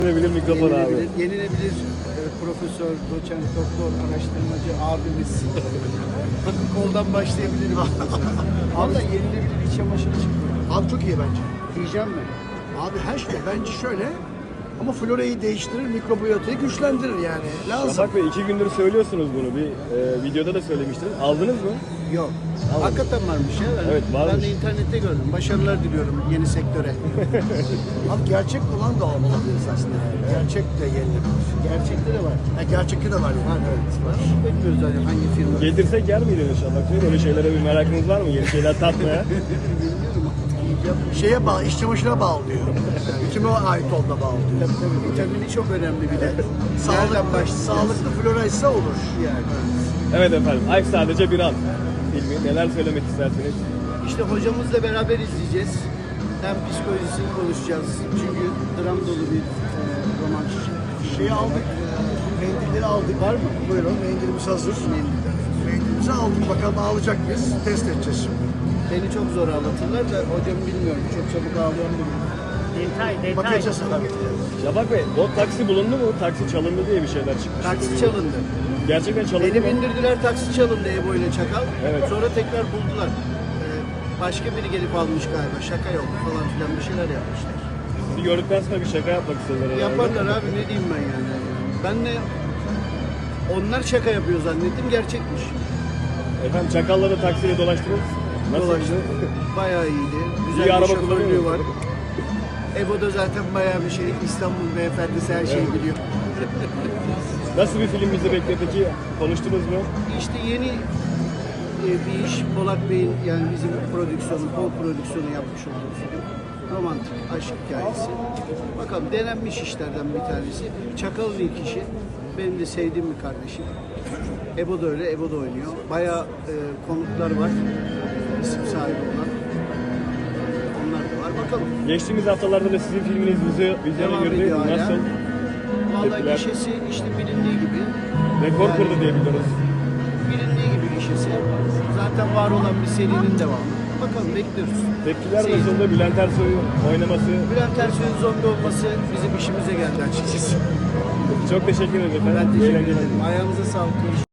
Yenilebilir mikrofon abi. Yenilebilir profesör, doçent, doktor, araştırmacı abimiz. Bakın koldan başlayabilirim. Valla yenilebilir iç çamaşırı çıktı. Abi çok iyi bence. Diyeceğim mi? Abi her şey bence şöyle ama florayı değiştirir, mikrobiyotayı güçlendirir yani. Lazım. Şafak Bey 2 gündür söylüyorsunuz bunu. Bir videoda da söylemiştiniz. Aldınız mı? Yok. Tamam. Hakikaten varmış ya. Evet, varmış. Ben de internette gördüm. Başarılar diliyorum yeni sektöre. Abi gerçek olan da olabilir aslında. Gerçek de yenilebilir. Gerçekte de var. Gerçekte de var yani. Evet, var. Bekliyoruz zaten hangi firma. Getirsek yer miydiniz Şafak Bey? Böyle şeylere bir merakınız var mı? Yeni şeyler tatmaya. Şeye bağlı, iç çamaşırına bağlı diyor. Yani kime ait olduğuna bağlı diyor. Tabii vitamini çok önemli bir de. Sağlıklı, Nereden başlayacağız? sağlıklı flora ise olur. Yani. Evet efendim. Ay sadece bir an. Filmi neler söylemek istersiniz? İşte hocamızla beraber izleyeceğiz. Hem psikolojisini konuşacağız. Çünkü dram dolu bir roman. Şeyi aldık, mendilleri aldık. Var mı? Buyurun, mendilimiz hazır. Mendilimizi aldık, bakalım ağlayacak mıyız? Test edeceğiz şimdi. Beni çok zor ağlatırlar da hocamı bilmiyorum. Çok çabuk ağlıyorum bilmiyorum. Bakacağız tabii. Şafak Bey, o taksi bulundu mu? Taksi çalındı diye bir şeyler çıkmış. Taksi çalındı. Gerçekten çalındı Beni mı? bindirdiler, taksi çalındı Ebo ile Çakal. Evet. Sonra tekrar buldular. Başka biri gelip almış galiba. Şaka yok falan filan bir şeyler yapmışlar. Sizi gördükten sonra bir şaka yapmak istediler herhalde. Yaparlar abi, ne diyeyim ben yani. Ben de onlar şaka yapıyor zannettim, gerçekmiş. Efendim Çakal'la taksiyle dolaştınız. Nasıl? Dolaştı. Bayağı iyiydi. Güzel İyi bir araba şoförlüğü kullanıyor. var. Ebo da zaten bayağı bir şey. İstanbul beyefendisi her şeyi biliyor. Nasıl bir film bizi bekliyor peki? Konuştunuz mu? İşte yeni bir iş. Polat Bey'in, yani bizim prodüksiyonu, Pol prodüksiyonu yapmış olduğu film. Romantik aşk hikayesi. Bakalım, denenmiş işlerden bir tanesi. Çakal'ın ilk işi. Benim de sevdiğim bir kardeşim. Ebo da öyle, Ebo da oynuyor. Bayağı konuklar var. İsim sahibi olan. Onlar da var. Bakalım. Geçtiğimiz haftalarda da sizin filminiz vizyona Devam girdi. ediyor hala. Nasıl? Vallahi Tepkiler? gişesi işte bilindiği gibi. Rekor Yani kırdı diye biliyoruz. Bilindiği gibi gişesi. Zaten var olan bir serinin devamı. Bakalım, bekliyoruz. Tepkiler Seyir. nasıldı? Bülent Ersoy'un oynaması. Bülent Ersoy'un zombi olması bizim işimize geldi açıkçası. Çok teşekkür ederim efendim. Ben teşekkür Eğlenceler. ederim. Ayağınıza sağlık.